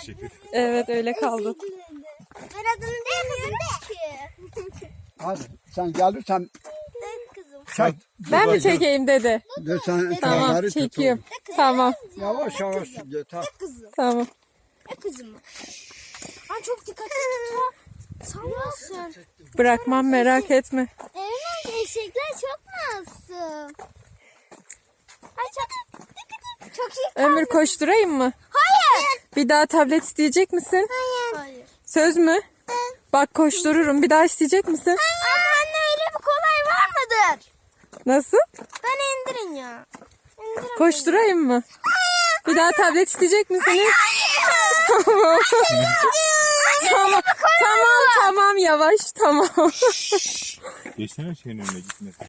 şekilde. Evet öyle kaldı. Ben adını bilmiyorum ki. Hadi sen gelirsen De kızım. çek. Ben mi çekeyim dede? De sen Tamam kenarı tut çekiyorum. oğlum. Tamam Yavaş yavaş yeter. Kızım. tamam. Kızım. Ay çok dikkatli tut ha. Sallasın. Bırakmam merak etme. Evet eşekler çok masum. Ay çok iyi. Ömür koşturayım mı? Hayır. Bir daha tablet isteyecek misin? Hayır. Söz mü? Bak koştururum. Bir daha isteyecek misin? Ama anne öyle bir kolay var mıdır? Nasıl? Ben indirin ya. İndirin. Koşturayım mı? Bir daha tablet isteyecek misiniz? Tamam. Tamam. Tamam yavaş tamam. Geçsene şeyin önüne gitmesin.